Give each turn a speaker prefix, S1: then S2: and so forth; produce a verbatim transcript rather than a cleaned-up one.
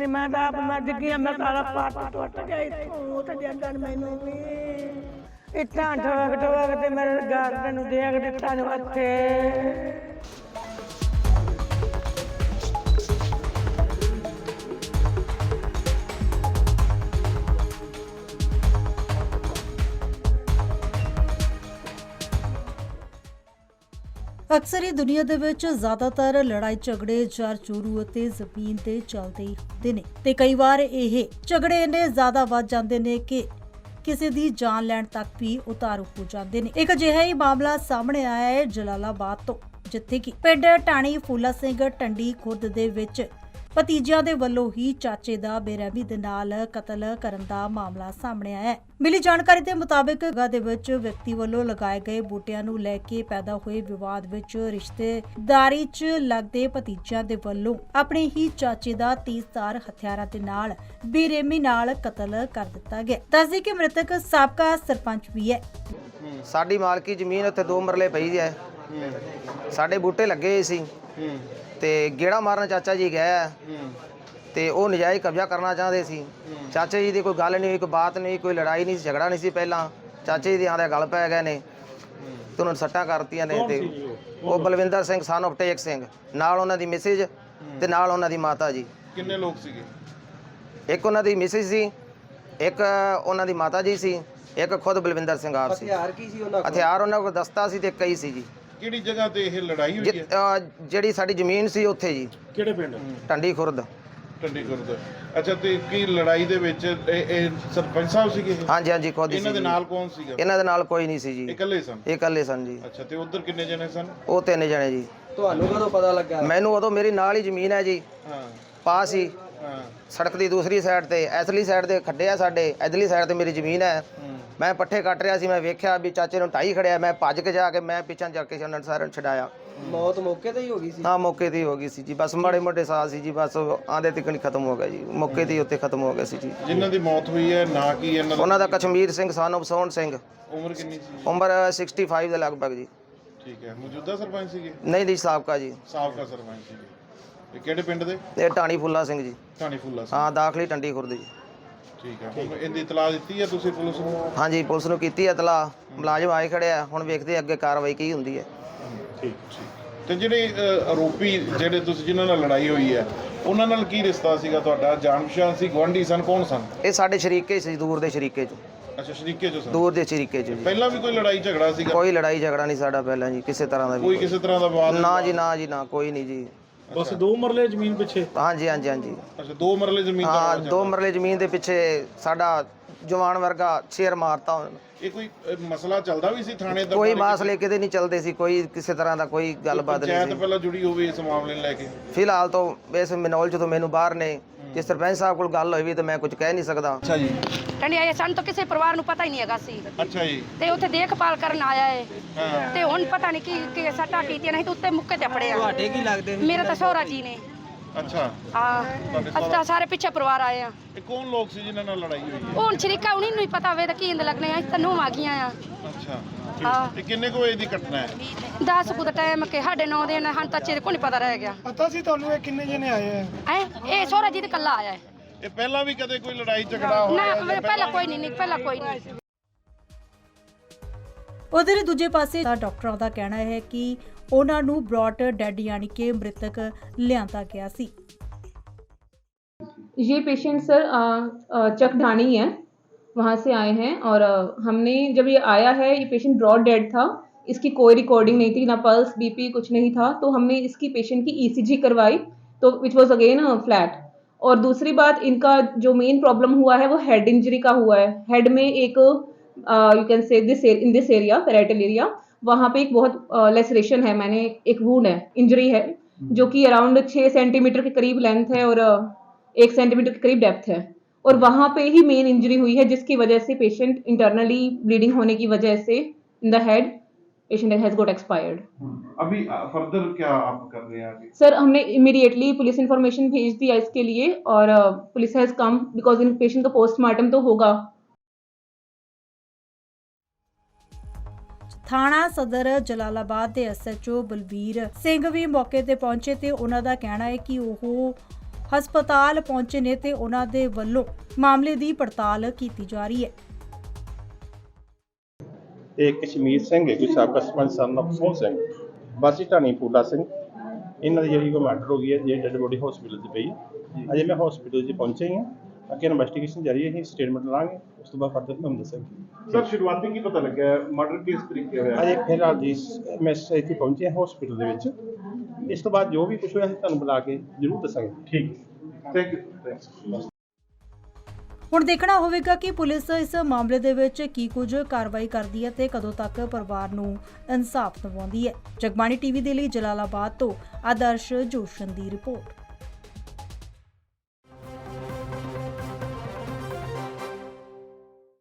S1: ਸੀ। ਮੈਂ ਤਾਂ ਆਪ ਮਰ ਗਈ, ਮੈਂ ਸਾਰਾ ਪੱਟ ਟੁੱਟ ਗਿਆ ਇੱਥੋਂ ਤੇ ਜੱਦਣ ਮੈਨੂੰ ਵੀ ਇੱਟਾਂ ਠੋਕ ਠੋਕ ਤੇ ਮੇਰੇ ਗਾਰਡਨ ਨੂੰ ਦੇਖ ਦਿੱਤਾ ਨੂੰ ਹੱਥੇ।
S2: ਅਕਸਰ ਹੀ ਦੁਨੀਆ ਦੇ ਵਿੱਚ ਜ਼ਿਆਦਾਤਰ ਲੜਾਈ ਝਗੜੇ ਜਰ ਚੋਰੂ ਅਤੇ ਜ਼ਮੀਨ ਤੇ ਚੱਲਦੇ ਹੀ ਹੁੰਦੇ ਨੇ ਤੇ ਕਈ ਵਾਰ ਇਹ ਝਗੜੇ ਇੰਨੇ ਜ਼ਿਆਦਾ ਵੱਧ ਜਾਂਦੇ ਨੇ ਕਿ ਕਿਸੇ ਦੀ ਜਾਨ ਲੈਣ ਤੱਕ ਵੀ ਉਤਾਰੂ ਹੋ ਜਾਂਦੇ ਨੇ। ਇੱਕ ਅਜਿਹਾ ਹੀ ਮਾਮਲਾ ਸਾਹਮਣੇ ਆਇਆ ਹੈ ਜਲਾਲਾਬਾਦ ਤੋਂ, ਜਿੱਥੇ ਕਿ ਪਿੰਡ ਢਾਣੀ ਫੂਲਾ ਸਿੰਘ ਟੰਡੀ ਖੁਰਦ ਦੇ ਵਿੱਚ ਭਤੀਜਿਆਂ ਦੇ ਵੱਲੋਂ ਹੀ ਚਾਚੇ ਦਾ ਬੇਰਹਿਮੀ ਦੇ ਨਾਲ ਕਤਲ ਕਰਨ ਦਾ ਮਾਮਲਾ ਸਾਹਮਣੇ ਆਇਆ ਹੈ। ਮਿਲੀ ਜਾਣਕਾਰੀ ਦੇ ਮੁਤਾਬਕ ਜਗ੍ਹਾ ਦੇ ਵਿੱਚ ਵਿਅਕਤੀ ਵੱਲੋਂ ਲਗਾਏ ਗਏ ਬੂਟਿਆਂ ਨੂੰ ਲੈ ਕੇ ਪੈਦਾ ਹੋਏ ਵਿਵਾਦ ਵਿੱਚ ਰਿਸ਼ਤੇਦਾਰੀ 'ਚ ਲੱਗਦੇ ਭਤੀਜਿਆਂ ਦੇ ਵੱਲੋਂ ਆਪਣੇ ਹੀ ਚਾਚੇ ਦਾ ਤੇਜ਼ਧਾਰ ਹਥਿਆਰਾਂ ਦੇ ਨਾਲ ਬੇਰਹਿਮੀ ਨਾਲ ਕਤਲ ਕਰ ਦਿੱਤਾ ਗਿਆ। ਦੱਸਦੇ ਕਿ ਮ੍ਰਿਤਕ ਸਾਬਕਾ ਸਰਪੰਚ ਵੀ ਹੈ।
S3: ਸਾਡੀ ਮਾਲਕੀ ਜ਼ਮੀਨ ਉੱਥੇ ਦੋ ਮਰਲੇ ਪਈ ਹੈ। ਸਾਡੇ ਬੂਟੇ ਲੱਗੇ ਸੀ ਤੇ ਗੇੜਾ ਮਾਰਨ ਚਾਚਾ ਜੀ ਗਿਆ ਤੇ ਉਹ ਨਜਾਇਜ਼ ਕਬਜ਼ਾ ਕਰਨਾ ਚਾਹੁੰਦੇ ਸੀ। ਚਾਚੇ ਜੀ ਦੀ ਕੋਈ ਗੱਲ ਨਹੀਂ ਹੋਈ, ਕੋਈ ਬਾਤ ਨਹੀਂ, ਕੋਈ ਲੜਾਈ ਨਹੀਂ ਸੀ, ਝਗੜਾ ਨਹੀਂ ਸੀ। ਪਹਿਲਾਂ ਚਾਚੇ ਜੀ ਦੇ ਆਂਦੇ ਗੱਲ ਪੈ ਗਏ ਨੇ ਤੇ ਉਹਨਾਂ ਸੱਟਾਂ ਕਰਤੀਆਂ ਨੇ। ਤੇ ਉਹ ਬਲਵਿੰਦਰ ਸਿੰਘ ਸਨ ਆਫ ਟੇਕ ਸਿੰਘ, ਨਾਲ ਉਹਨਾਂ ਦੀ ਮਿਸਿਜ ਤੇ ਨਾਲ ਉਹਨਾਂ ਦੀ ਮਾਤਾ ਜੀ।
S4: ਕਿੰਨੇ ਲੋਕ ਸੀਗੇ?
S3: ਇੱਕ ਉਹਨਾਂ ਦੀ ਮਿਸਿਜ ਸੀ, ਇੱਕ ਉਹਨਾਂ ਦੀ ਮਾਤਾ ਜੀ ਸੀ, ਇੱਕ ਖੁਦ ਬਲਵਿੰਦਰ ਸਿੰਘ ਆਪ ਸੀ।
S5: ਹਥਿਆਰ ਕੀ ਸੀ ਉਹਨਾਂ ਕੋਲ?
S3: ਹਥਿਆਰ ਉਹਨਾਂ ਕੋਲ ਦਸਤਾ ਸੀ ਤੇ ਕਈ ਸੀ ਜੀ।
S4: ਕਿਹੜੀ ਜਗ੍ਹਾ ਤੇ ਇਹ ਲੜਾਈ ਹੋਈ ਹੈ?
S3: ਜਿ- ਜਿਹੜੀ ਸਾਡੀ ਜ਼ਮੀਨ ਸੀ ਉੱਥੇ ਜੀ,
S4: ਕਿਹੜੇ ਪਿੰਡ?
S3: ਟੰਡੀ ਖੁਰਦ।
S4: ਟੰਡੀ ਖੁਰਦ। ਅੱਛਾ, ਤੇ ਕੀ ਲੜਾਈ ਦੇ ਵਿੱਚ ਇਹ ਇਹ ਸਰਪੰਚ ਸਾਹਿਬ ਸੀਗੇ ਇਹ?
S3: ਹਾਂਜੀ ਹਾਂਜੀ ਖੁਦ ਹੀ ਸੀ
S4: ਇਹਨਾਂ ਦੇ
S3: ਜੀ।
S4: ਨਾਲ ਕੌਣ ਸੀਗਾ?
S3: ਇਹਨਾਂ ਦੇ ਨਾਲ ਕੋਈ ਨਹੀਂ ਸੀ ਜੀ,
S4: ਇਹ ਇਕੱਲੇ ਸਨ?
S3: ਇਹ ਇਕੱਲੇ ਸਨ ਜੀ।
S4: ਅੱਛਾ, ਤੇ ਉਧਰ ਕਿੰਨੇ ਜਣੇ ਸਨ?
S3: ਉਹ ਤਿੰਨ ਜਣੇ ਜੀ।
S5: ਤੁਹਾਨੂੰ ਕਦੋਂ ਪਤਾ ਲੱਗਾ?
S3: ਮੈਨੂੰ ਉਦੋਂ ਮੇਰੀ ਨਾਲ ਹੀ ਜ਼ਮੀਨ ਹੈ ਜੀ,
S4: ਹਾਂ
S3: ਪਾਸ ਹੀ
S4: ਹਾਂ
S3: ਸੜਕ ਦੀ ਦੂਸਰੀ ਸਾਈਡ ਤੇ, ਇਧਰਲੀ ਸਾਈਡ ਤੇ ਖੱਡੇ ਆ ਸਾਡੇ, ਇਧਰਲੀ ਸਾਈਡ ਤੇ ਮੇਰੀ ਜ਼ਮੀਨ ਹੈ।
S4: ਹੂੰ।
S3: ਮੈਂ ਪੱਠੇ ਕੱਟ ਰਿਹਾ ਸੀ, ਮੈਂ ਵੇਖਿਆ ਵੀ ਚਾਚੇ ਨੂੰ ਢਾਈ ਖੜਿਆ। ਮੈਂ ਭੱਜ ਕੇ ਜਾ ਕੇ ਮੈਂ ਪਿੱਛੇ ਜਾ ਕੇ ਉਹਨਾਂ ਨੂੰ ਸਾਰਿਆਂ ਨੂੰ ਛਡਾਇਆ।
S5: ਮੌਤ ਮੌਕੇ ਤੇ ਹੀ ਹੋ ਗਈ ਸੀ?
S3: ਹਾਂ ਮੌਕੇ ਤੇ ਹੀ ਹੋ ਗਈ ਸੀ ਜੀ। ਬਸ ਮਾੜੇ ਮੋਟੇ ਸਾਹ ਸੀ ਜੀ, ਬਸ ਆਂਦੇ ਤਿਕਣ ਖਤਮ ਹੋ ਗਿਆ ਜੀ, ਮੌਕੇ ਤੇ ਹੀ ਉੱਤੇ ਖਤਮ ਹੋ ਗਿਆ ਸੀ ਜੀ।
S4: ਜਿਨ੍ਹਾਂ ਦੀ ਮੌਤ ਹੋਈ ਹੈ ਨਾ ਕੀ ਇਹਨਾਂ
S3: ਉਹਨਾਂ ਦਾ ਕਸ਼ਮੀਰ ਸਿੰਘ ਸਨ ਆਫ ਸੋਹਣ ਸਿੰਘ,
S4: ਉਮਰ ਕਿੰਨੀ ਸੀ?
S3: ਉਮਰ ਪੈਂਸਠ ਦੇ ਲਗਭਗ ਜੀ।
S4: ਠੀਕ ਹੈ। ਮੌਜੂਦਾ ਸਰਪੰਚ ਸੀਗੇ?
S3: ਨਹੀਂ ਜੀ, ਸਾਬਕਾ ਜੀ।
S4: ਸਾਬਕਾ ਸਰਪੰਚ ਸੀਗੇ। ਇਹ ਕਿਹੜੇ ਪਿੰਡ ਦੇ?
S3: ਇਹ ਢਾਣੀ ਫੁੱਲਾ ਸਿੰਘ ਜੀ।
S4: ਢਾਣੀ ਫੁੱਲਾ ਸਿੰਘ।
S3: ਹਾਂ, ਦਾਖਲੀ ਟੰਡੀ ਖੁਰਦ ਜੀ।
S4: ਠੀਕ ਹੈ। ਹੁਣ ਇਹਦੀ ਇਤਲਾਹ ਦਿੱਤੀ ਹੈ ਤੁਸੀਂ ਪੁਲਿਸ ਨੂੰ?
S3: ਹਾਂਜੀ, ਪੁਲਿਸ ਨੂੰ ਕੀਤੀ ਇਤਲਾਹ, ਮੁਲਾਜ਼ਮ ਆਏ ਖੜੇ ਆ। ਹੁਣ ਵੇਖਦੇ ਅੱਗੇ ਕਾਰਵਾਈ ਕੀ ਹੁੰਦੀ ਹੈ।
S4: ਠੀਕ ਠੀਕ। ਤੇ ਜਿਹੜੇ ਅ, ਆਰੋਪੀ ਜਿਹੜੇ ਤੁਸੀਂ ਜਿਨ੍ਹਾਂ ਨਾਲ ਲੜਾਈ ਹੋਈ ਹੈ, ਉਹਨਾਂ ਨਾਲ ਕੀ ਰਿਸ਼ਤਾ ਸੀਗਾ ਤੁਹਾਡਾ? ਜਾਣ ਪਛਾਣ ਸੀ, ਗੁਆਂਢੀ ਸਨ, ਕੌਣ ਸਨ?
S3: ਇਹ ਸਾਡੇ ਸ਼ਰੀਕੇ ਸੀ, ਦੂਰ ਦੇ ਸ਼ਰੀਕੇ ਚ।
S4: ਅੱਛਾ, ਸ਼ਰੀਕੇ ਚੋਂ ਸਨ?
S3: ਦੂਰ ਦੇ ਸ਼ਰੀਕੇ ਚ ਜੀ।
S4: ਪਹਿਲਾਂ ਵੀ ਕੋਈ ਲੜਾਈ ਝਗੜਾ ਸੀਗਾ?
S3: ਕੋਈ ਲੜਾਈ ਝਗੜਾ ਨਹੀਂ ਸਾਡਾ ਪਹਿਲਾਂ ਜੀ, ਕਿਸੇ ਤਰ੍ਹਾਂ ਦਾ
S4: ਕੋਈ
S3: ਵੀ।
S4: ਕਿਸੇ ਤਰ੍ਹਾਂ ਦਾ ਵਿਵਾਦ?
S3: ਨਾ ਜੀ, ਨਾ ਜੀ, ਨਾ, ਕੋਈ ਨਹੀਂ ਜੀ।
S4: ਬਸ
S6: ਦੋ ਮਰਲੇ ਜ਼ਮੀਨ ਪਿੱਛੇ?
S3: ਹਾਂਜੀ ਹਾਂਜੀ ਹਾਂਜੀ।
S4: ਅੱਛਾ, ਦੋ ਮਰਲੇ ਜ਼ਮੀਨ ਦਾ
S3: ਹਾਂ,
S4: ਰੌਲਾ
S3: ਦੋ
S4: ਚੱਲਦਾ।
S3: ਮਰਲੇ ਜ਼ਮੀਨ ਦੇ ਪਿੱਛੇ ਸਾਡਾ ਜਵਾਨ ਵਰਗਾ ਸ਼ੇਰ ਮਾਰਤਾ ਉਹਨਾਂ ਨੇ।
S4: ਇਹ ਕੋਈ ਅ, ਮਸਲਾ ਚੱਲਦਾ ਵੀ ਸੀ ਥਾਣੇ ਦਾ?
S3: ਕੋਈ ਮਾਸਲੇ ਕਿਤੇ ਨਹੀਂ ਚੱਲਦੇ ਸੀ, ਕੋਈ ਕਿਸੇ ਤਰ੍ਹਾਂ ਦਾ ਕੋਈ ਗੱਲਬਾਤ ਨਹੀਂ
S4: ਪੰਚਾਇਤ
S3: ਸੀ।
S4: ਪਹਿਲਾਂ ਜੁੜੀ ਹੋਵੇ ਇਸ ਮਾਮਲੇ ਨੂੰ ਲੈ ਕੇ?
S3: ਫਿਲਹਾਲ ਤਾਂ ਇਸ ਮਨੋਲ ਚ ਤੋਂ ਮੈਨੂੰ ਬਾਹਰ ਨੇ। ਜੇ ਸਰਪੰਚ ਸਾਹਿਬ ਕੋਲ ਗੱਲ ਹੋਈ ਵੀ ਤਾਂ ਮੈਂ ਕੁਝ ਕਹਿ ਨਹੀਂ ਸਕਦਾ।
S4: ਅੱਛਾ ਜੀ।
S7: ਕਹਿੰਦੇ ਆਏ ਸਾਨੂੰ ਤਾਂ ਕਿਸੇ ਪਰਿਵਾਰ ਨੂੰ ਪਤਾ ਹੀ ਨਹੀਂ ਹੈਗਾ ਸੀ
S4: ਅੱਛਾ ਜੀ।
S7: ਤੇ ਉੱਥੇ ਦੇਖਭਾਲ ਕਰਨ ਆਇਆ ਏ
S4: ਹਾਂ।
S7: ਤੇ ਹੁਣ ਪਤਾ ਨਹੀਂ ਕੀ ਕੀ ਸੱਟਾਂ ਕੀਤੀਆਂ ਨਹੀਂ ਤੇ ਉੱਤੇ ਮੁੱਕੇ ਤੇ ਪੜਿਆ।
S5: ਤੁਹਾਡੇ ਕੀ ਲੱਗਦੇ ਸੀ?
S7: ਮੇਰੇ ਤਾਂ ਸਹੁਰਾ ਜੀ ਨੇ।
S4: ਅੱਛਾ,
S7: ਹਾਂ, ਅਸੀਂ ਤਾਂ ਸਾਰੇ ਪਿੱਛੇ ਪਰਿਵਾਰ ਆਏ ਆ।
S4: ਇਹ ਕੌਣ ਲੋਕ ਸੀ ਜਿਨ੍ਹਾਂ ਨਾਲ ਲੜਾਈ ਹੋਈ ਹੈ?
S7: ਉਹ ਹੁਣ ਸ਼ਰੀਕਾ ਉਹਨੂੰ ਨਹੀਂ ਪਤਾ ਵੇ ਤਾਂ ਕੀ ਇੰਦ ਲੱਗਣੇ ਆ। ਅਸੀਂ ਤਾਂ ਨੂੰਹ ਆ ਗਈਆਂ ਆ।
S4: ਅੱਛਾ।
S7: ਹਾਂ।
S4: ਇਹ ਕਿੰਨੇ ਕੁ ਵਜੇ ਦੀ ਘਟਨਾ ਹੈ?
S7: ਦਸ ਕੁ ਦਾ ਟਾਈਮ ਕਿ ਸਾਡੇ ਨੌ ਦੇ ਹਨ ਤਾਂ ਚਿਰ ਕੋਈ ਨਹੀਂ ਪਤਾ ਰਹਿ ਗਿਆ।
S6: ਪਤਾ ਸੀ ਤੁਹਾਨੂੰ ਇਹ ਕਿੰਨੇ ਜਣੇ ਆਏ ਆ?
S7: ਐ ਇਹ ਸਹੁਰਾ ਜੀ ਤੇ ਕੱਲਾ ਆਇਆ ਹੈ।
S4: ਇਹ ਪਹਿਲਾਂ ਵੀ ਕਦੇ ਕੋਈ ਲੜਾਈ ਝਗੜਾ ਹੋਇਆ?
S7: ਨਾ ਪਹਿਲਾਂ ਕੋਈ ਨਹੀਂ, ਪਹਿਲਾਂ ਕੋਈ ਨਹੀਂ।
S2: ਉਧਰ ਦੂਜੇ ਪਾਸੇ ਡਾਕਟਰਾਂ ਦਾ ਕਹਿਣਾ ਹੈ ਕਿ ਉਹਨਾਂ ਨੂੰ ਬ੍ਰੌਟ ਡੈਡ यानी कि मृतक लियांदा गया सी।
S8: ये पेशेंट सर चक ढाणी है, वहाँ से आए हैं और हमने जब ये आया है ये पेशेंट ब्रॉड डेड था। इसकी कोई रिकॉर्डिंग नहीं थी, ना पल्स बीपी कुछ नहीं था। तो हमने इसकी पेशेंट की ईसीजी करवाई तो विच वाज अगेन फ्लैट। और दूसरी बात, इनका जो मेन प्रॉब्लम हुआ है वो हेड इंजरी का हुआ है। हेड में एक you can say this in this area parietal area, वहाँ पे एक बहुत लेसरेशन है, मैंने एक वूंड है, इंजरी है जो कि अराउंड छः सेंटीमीटर के करीब लेंथ है और एक सेंटीमीटर के करीब डेप्थ है। और वहाँ पे ही मेन इंजरी हुई है जिसकी वजह से पेशेंट इंटरनली ब्लीडिंग होने की वजह से in the head patient has got expired.
S4: अभी फर्दर क्या आप कर रहे हैं आगे?
S8: सर हमने इमीडिएटली पुलिस इंफॉर्मेशन भेज दिया इसके लिए और police has come because in patient का पोस्टमार्टम तो होगा।
S2: ਥਾਣਾ ਸਦਰ ਜਲਾਲਾਬਾਦ ਦੇ ਐਸਐਚਓ ਬਲਬੀਰ ਸਿੰਘ ਵੀ ਮੌਕੇ ਤੇ ਪਹੁੰਚੇ ਤੇ ਉਹਨਾਂ ਦਾ ਕਹਿਣਾ ਹੈ ਕਿ ਉਹ ਹਸਪਤਾਲ ਪਹੁੰਚੇ ਨੇ ਤੇ ਉਹਨਾਂ ਦੇ ਵੱਲੋਂ ਮਾਮਲੇ ਦੀ ਪੜਤਾਲ ਕੀਤੀ ਜਾ ਰਹੀ ਹੈ।
S9: ਤੇ ਕਸ਼ਮੀਰ ਸਿੰਘ ਹੈ ਕੋਈ ਸਾਬਕਾ ਸਰਪੰਚ ਸਨ ਆਫ ਸੋਹਣ ਸਿੰਘ ਵਾਸੀ ਢਾਣੀ ਫੂਲਾ ਸਿੰਘ, ਇਹਨਾਂ ਦੀ ਜਿਹੜੀ ਕੋਈ ਮਰਡਰ ਹੋ ਗਈ ਹੈ, ਜਿਹੜੀ ਡੈਡ ਬੋਡੀ ਹਸਪੀਟਲ 'ਚ ਪਈ ਹੈ। ਅਜੇ ਮੈਂ ਹਸਪੀਟਲ 'ਚ ਪਹੁੰਚਿਆ ਹੀ ਹਾਂ, ਅੱਗੇ ਇਨਵੈਸਟੀਗੇਸ਼ਨ ਜਾਰੀ ਹੈ, ਅਸੀਂ ਸਟੇਟਮੈਂਟ ਲਾਂਗੇ, ਉਸ ਤੋਂ ਬਾਅਦ ਫਰਦਰ ਤੁਹਾਨੂੰ ਦੱਸਾਂਗੇ।
S4: ਸਰ ਸ਼ੁਰੂਆਤੀ ਕੀ ਪਤਾ ਲੱਗਿਆ ਮਰਡਰ ਕਿਸ ਤਰੀਕੇ ਹੋਇਆ?
S9: ਅਜੇ ਫਿਲਹਾਲ ਜੀ ਮੈਂ ਇੱਥੇ ਪਹੁੰਚਿਆ ਹਸਪੀਟਲ ਦੇ ਵਿੱਚ, ਇਸ ਤੋਂ ਬਾਅਦ ਜੋ ਵੀ ਕੁਝ ਹੋਇਆ ਅਸੀਂ ਤੁਹਾਨੂੰ ਬੁਲਾ ਕੇ ਜ਼ਰੂਰ ਦੱਸਾਂਗੇ।
S4: ਠੀਕ, ਥੈਂਕ ਯੂ, ਥੈਂਕਸ।
S2: ਹੁਣ ਦੇਖਣਾ ਹੋਵੇਗਾ ਕਿ ਪੁਲਿਸ ਇਸ ਮਾਮਲੇ ਦੇ ਵਿੱਚ ਕੀ ਕੁਝ ਕਾਰਵਾਈ ਕਰਦੀ ਹੈ ਤੇ ਕਦੋਂ ਤੱਕ ਪਰਿਵਾਰ ਨੂੰ ਇਨਸਾਫ ਦਿਵਾਉਂਦੀ ਹੈ। ਜਗਬਾਣੀ ਟੀਵੀ ਦੇ ਲਈ ਜਲਾਲਾਬਾਦ ਤੋਂ ਆਦਰਸ਼ ਜੋਸ਼ਨ ਦੀ ਰਿਪੋਰਟ।